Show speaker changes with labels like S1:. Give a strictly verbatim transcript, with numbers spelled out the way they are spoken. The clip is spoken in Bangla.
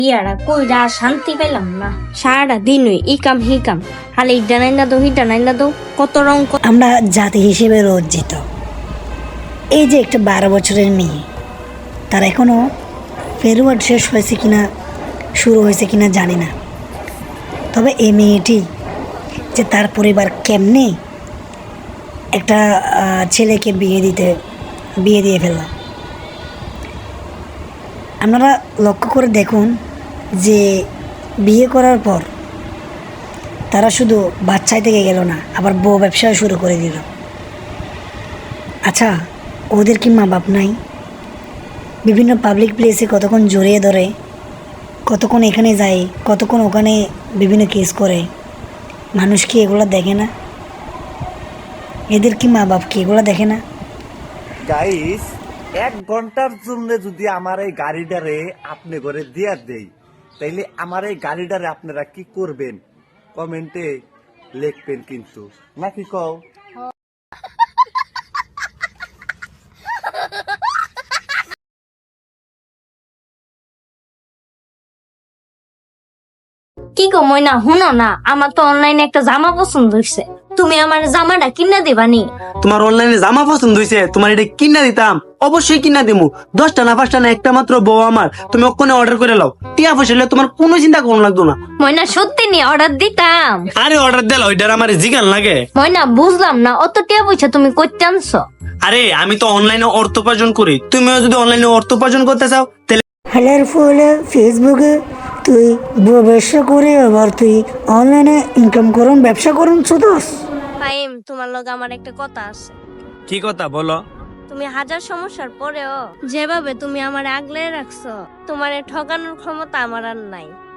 S1: ইয়ারা কইরা শান্তি পেলাম না, সারাটা দিন ওই ই কাম হি কাম, খালি ইডা নাই না দো হিডা নাই না দো, কত রং।
S2: আমরা জাতি হিসেবে লজ্জিত। এই যে একটা বারো বছরের মেয়ে, তার এখনো ফেরওয়ার্ড শেষ হয়েছে কিনা শুরু হয়েছে কিনা জানি না, তবে এই মেয়েটি যে তার পরিবার কেমনে একটা ছেলেকে বিয়ে দিতে বিয়ে দিয়ে ফেলল। আপনারা লক্ষ্য করে দেখুন যে বিয়ে করার পর তারা শুধু বাচ্চাই থেকে গেল না, আবার বউ ব্যবসাও শুরু করে দিল। আচ্ছা, ওদের কি মা বাপ নাই? বিভিন্ন পাবলিক প্লেসে কতক্ষণ জড়িয়ে ধরে, কতক্ষণ এখানে যায়, কতক্ষণ ওখানে বিভিন্ন কেস করে। মানুষ কি এগুলো দেখে না? এদের কি মা বাপ কি এগুলো দেখে না?
S3: গাইস, এক ঘন্টার জন্য যদি আমার এই গাড়িটারে আপনি করে দিয়া দেই, তাইলে আমার এই গাড়িটারে আপনারা কি করবেন কমেন্টে লিখবেন কিন্তু, নাকি কও?
S1: কি গো ময়না, হুনো না, আমার তো অনলাইনে একটা জামা পছন্দ হইছে, তুমি আমার জামাটা কিনা দিবানি?
S4: তোমার অনলাইনে জামা পছন্দ হয়েছে, তোমার এটা কিনা দিতাম, অবশ্যই কিনা দিমু। দশটা না পাঁচটা না একটা মাত্র বউ আমার, তুমি ওখানে অর্ডার করে লাও। টিয়া পয়সা হলে তোমার কোনো চিন্তা করুন লাগতো না।
S1: ময়না সত্যি নি অর্ডার দিতাম।
S4: আরে অর্ডার দিল, ওইটার আমার জিগান লাগে।
S1: ময়না বুঝলাম না, অত টিয়া পয়সা তুমি কইতে আনছো?
S4: আরে আমি তো অনলাইনে অর্থ উপার্জন করি, তুমিও যদি অনলাইনে অর্থ উপার্জন করতে চাও তাহলে
S2: হেলার ফলে ফেসবুকে তুই ব্যবসা করে আবার তুই অনলাইনে ইনকাম করুন, ব্যবসা করুন শুধুস।
S1: ফাইম, তোমার লগে আমার একটা কথা আছে।
S4: কি কথা বলো?
S1: তুমি হাজার সমস্যার পরেও যেভাবে তুমি আমার আগলে রাখছো, তোমার ঠকানোর ক্ষমতা আমার আর নাই।